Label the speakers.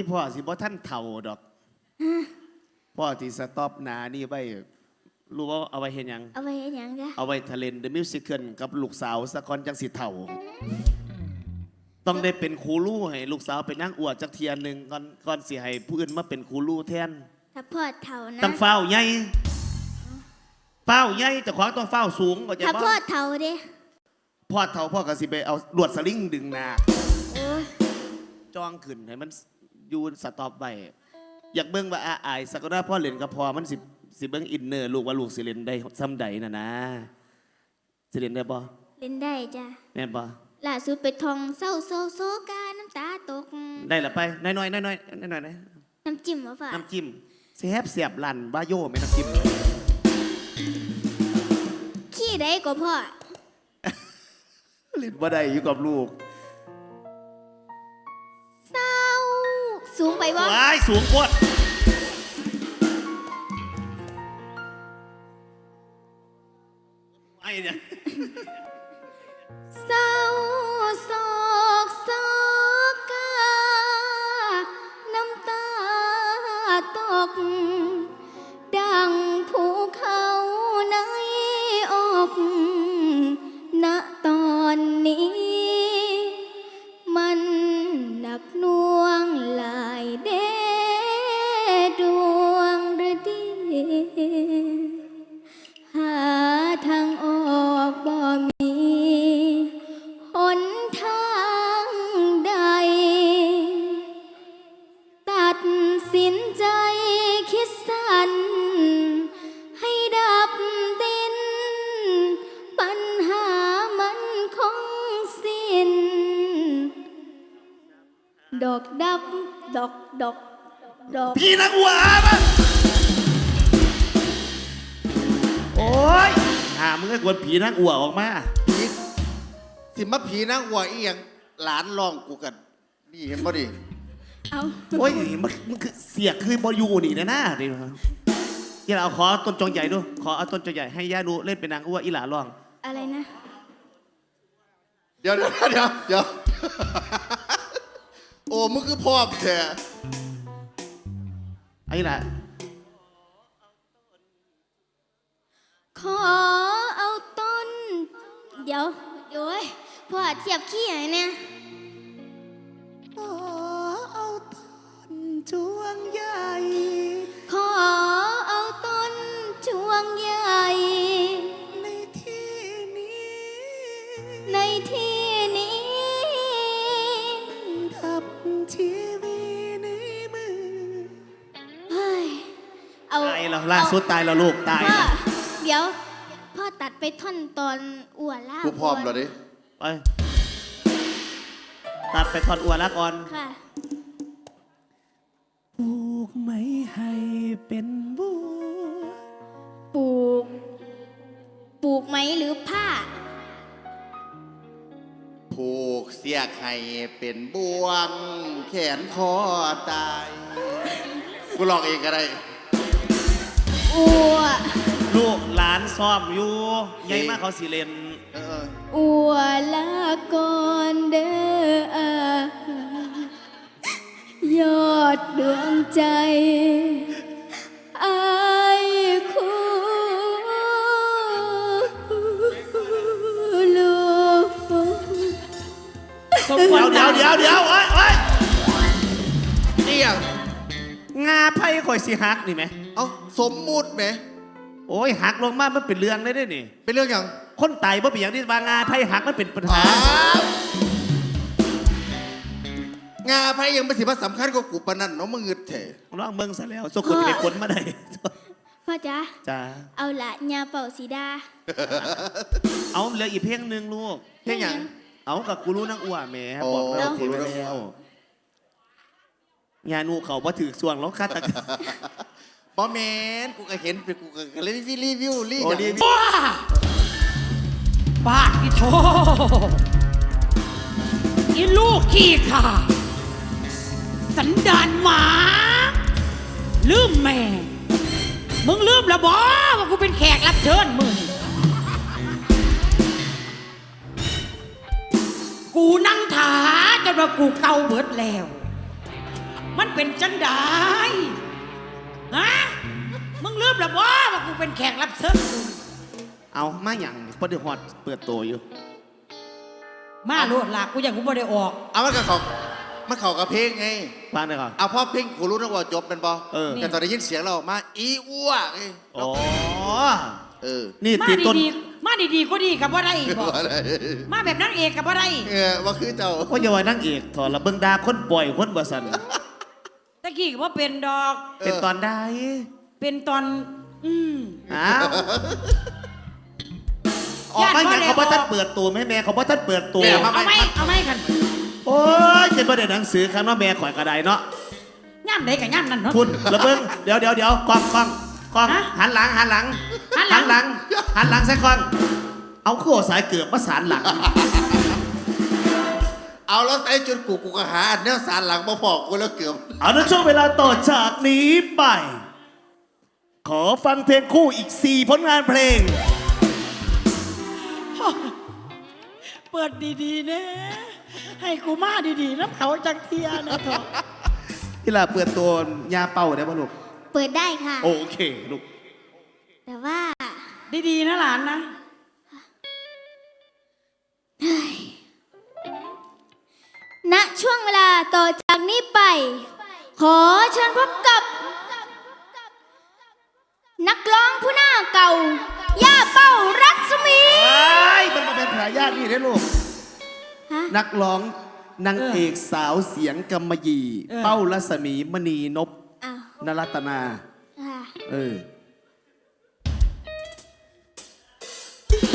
Speaker 1: อีพ่อสิบ่ท่านเฒ่าดอกพ่อที่สต็อปหนานี่ไว้รู้ว่าเอาไว้เห็นยัง
Speaker 2: เอาไว้ยังจ้ะ
Speaker 1: เอาไว้ทะเลนเดอะมิวสิคลกับลูกสาวสะกอนจังสิเฒ่าต้องได้เป็นครูลู่ให้ลูกสาวเป็นนางอวดจักเทียนหนึ่งก่อนสิให้ผู้อื่นมาเป็นครูลู่แทน
Speaker 2: ถ้าพ่อเฒ่านะ
Speaker 1: ต้องเฝ้าใหญ่เฝ้าใหญ่เจ้าของต้องเฝ้าสูงก็จะ
Speaker 2: ถ้าพ่อเฒ่าเด้
Speaker 1: พ่อเฒ่าพ่อก็สิไปเอาลวดสลิงดึงหน้าจ้องขึ้นให้มันยูนสต็อปไปอยากเบิ่งว่าอายสักหน้าพ่อเล่นกับพ่อมันสิเบิ่งอินเนอร์ลูกว่าลูกสิเล่นได้ซ้ำใดนะสิเล่นได้บ่
Speaker 2: เล่นได้จ้ะ
Speaker 1: แม่นบ่
Speaker 2: ล่าสุดไปท่องเศร้าโซกาน้ำตาตก
Speaker 1: ได้ละไปน้อยๆนะ
Speaker 2: น้ำจิ้มบ่ฝ่า
Speaker 1: น้ำจิ้มเสียบลั่นบ้าโย่ไม่น้ำจิ้ม
Speaker 2: ขี้ได้ก็พ่อ
Speaker 1: เล่นบ่ได้อยู่กับลูก
Speaker 2: เศร้าสูงไปบ่
Speaker 1: ว้ายสูงโคตรไอ้เนี่ย
Speaker 2: เศร้าโศกโศกาน้ำตาตกดังภูเขาในอกณตอนนี้มันหนักหน่วงหลายเดดวงฤดีหาทางออกบ่มีหนทางใดตัดสินใจคิดสั้นให้ดับดินปัญหามันคงสิ้นดอกดับดอก
Speaker 1: พี่นักวัวมั้งโอ้ยมึงก็กวนผีนักวัวออกมา
Speaker 3: ผีสิมาผีนางวัวอีหยังหลานร้องกูกันนี่เห็นบ่ดิ
Speaker 2: เอา
Speaker 1: โอ้ยมันคือเสียคือบอยูนี่นะดิอย่าเอาขอต้นจงใหญ่ดูขอเอาต้นจงใหญ่ให้ย่าดูเล่นเป็นนางวัวอีหลาร้อง
Speaker 2: อะไรนะ
Speaker 3: เดี๋ยวโอ้มึงคือพ่อแท้
Speaker 1: ไอ้ล่ะ
Speaker 2: ขอเอาต้นเดี๋ยวโอ้ยพ่อเทียบขี้ไหนเนี่ย
Speaker 1: ขอเอาต้นจวงใหญ่
Speaker 2: ขอเอาต้นจวงใหญ่
Speaker 1: ในที่
Speaker 2: นี้
Speaker 1: กับชีวิตในมือ
Speaker 2: เฮ้ยเอา
Speaker 1: ตายแล้วล่าสุดตายแล้วลูกตายแล้ว
Speaker 2: เดี๋ยวพ่อตัดไปท่อนตอนอ้วนล่า
Speaker 3: กูพร้อมแล้วดิ
Speaker 1: ไปตัดไปท่อนอ้วนละก่อน
Speaker 2: ค่ะ
Speaker 1: ปลูกไม้ให้เป็นบัว
Speaker 2: ปลูกไหมหรือผ้า
Speaker 3: ผูกเสียไข่เป็นบ่วงแขนคอตายกูลองเองก็ได้
Speaker 2: อัว
Speaker 1: ลูกหลานซ้อมอยู่ใหญ่มากเขาสิเลน
Speaker 2: อัวละก่อนเด้อยอดดวงใจอายคู่ลูก
Speaker 1: เดี๋ยวโอ้ย
Speaker 3: นี่ยัง
Speaker 1: งาไพ่ข่อยสิฮักนี่ไหม
Speaker 3: เอาสมมุติไหม
Speaker 1: โอ้ยหักลงมามันเป็นเรื่องได้ด้วยนี่
Speaker 3: เป็นเรื่องอย่าง
Speaker 1: คนตายบ่เป็นอย่างที่บางงาไพ่หักมันเป็นปัญห
Speaker 3: างาไพ่ยังเป็นสิ่งสำคัญกว่ากูปนันเนาะมึงเงืดเถอะ
Speaker 1: ร้องเมืองซะแล้วโซกุจะเป็นคนมาได้
Speaker 2: พ่อจ๊ะเอาละยาเป่าสีดา
Speaker 1: เอาเหลืออีกเพลงหนึ่งลูก
Speaker 3: เพลงอย่าง
Speaker 1: เอากับกูรู้นักอ้วนแม่บอกแล้วทีไปแล้วงานนูเขาว่าถือส่วงแล้วคาตะ
Speaker 3: บอแมนกูก็เห็นกูก็เลยรีวิว
Speaker 4: บ้าที่โธ่อีลูกขี้ข่าสันดานหมาลืมแม่มึงลืมแล้วบอว่ากูเป็นแขกรับเชิญมึงกูนั่งถาจนว่ากูเกาเบิดแล้วมันเป็นจังไดฮะมึงลืมแล้วบ่ว่ากูเป็นแขกรับเชิญกู
Speaker 1: เอามาอย่างพอดีฮอดเปิดตัวอยู่
Speaker 4: มาโลดลากกูอย่างกูบ่ได้ออก
Speaker 3: เอามันกับเขามันเข้ากับเพลงไง
Speaker 1: ฟังได้ก่อน
Speaker 3: เอาพ่อเพลงกูรู้นะว่าจบเป็นบอ
Speaker 1: เออ
Speaker 3: แต่ตอนได้ยินเสียงเราออกมาอีอ้วกไง
Speaker 1: อ๋อ
Speaker 3: เออ
Speaker 1: นี่
Speaker 4: มา
Speaker 1: ตีต้น
Speaker 4: ดีๆมาดีๆก็ดีกับว่าได้บอกมาแบบนางเอกกับว่าได้
Speaker 3: ว่าคือเจ้า
Speaker 1: ว่าอย่าว่านั่งเอกถอดละเบิ่งดาคนปล่อยคนบ่สัน
Speaker 4: ตะกี้ก็ว่าเป็นดอก
Speaker 1: เป็นตอนใด
Speaker 4: เป็นตอน
Speaker 1: อ้าวออกมาอย่างเขาบ่ทันเปิดตัวแม่เขาบ่ทันเปิดตัว
Speaker 4: เอาไหมกัน
Speaker 1: โอ้ยเจ็บประเด็นหนังสือคำว่าแม่ข่อยกระไดเนาะ
Speaker 4: ย่ำไหนกับย่ำนั่นเนาะ
Speaker 1: คุณระเบิงเดี๋ยวกล้อง
Speaker 4: ฮะ
Speaker 1: หันหลัง
Speaker 4: หันหลัง
Speaker 1: ใส่กล้องเอาโค้สายเกือบมาสารหลัง
Speaker 3: เอาแล้วไอ้จนกูก็หาอันเนี้ยสารหลังมาพอกกูแล้วเกือบ
Speaker 1: เอาในช่วงเวลาต่อจากนี้ไป ขอฟังเพลงคู่อีก 4 ผลงานเพลง
Speaker 4: เปิดดีๆนะให้กูมาดีๆน้ำเขาจังเทียนะเถอะ
Speaker 1: ที่ลาเปิดตัวยาเป่าได้ป่ะลูก
Speaker 2: เปิดได้ค่ะ
Speaker 1: โอเคลูก
Speaker 2: แต่ว่า
Speaker 4: ดีๆนะหลานนะ
Speaker 2: ณช่วงเวลาต่อจากนี้ไป ขอเชิญพบกับ นักร้องผู้หน้าเก่า ย่าเป้ารัศมี
Speaker 1: มันมาเป็นทายาทนี่ได้ลูก
Speaker 2: ฮะ
Speaker 1: นักร้องนางเอกสาวเสียงกำมะหยี่ เป้ารัศมีมณีนพ
Speaker 2: อ้าว
Speaker 1: นรัตนา
Speaker 2: ค่ะ
Speaker 1: เออ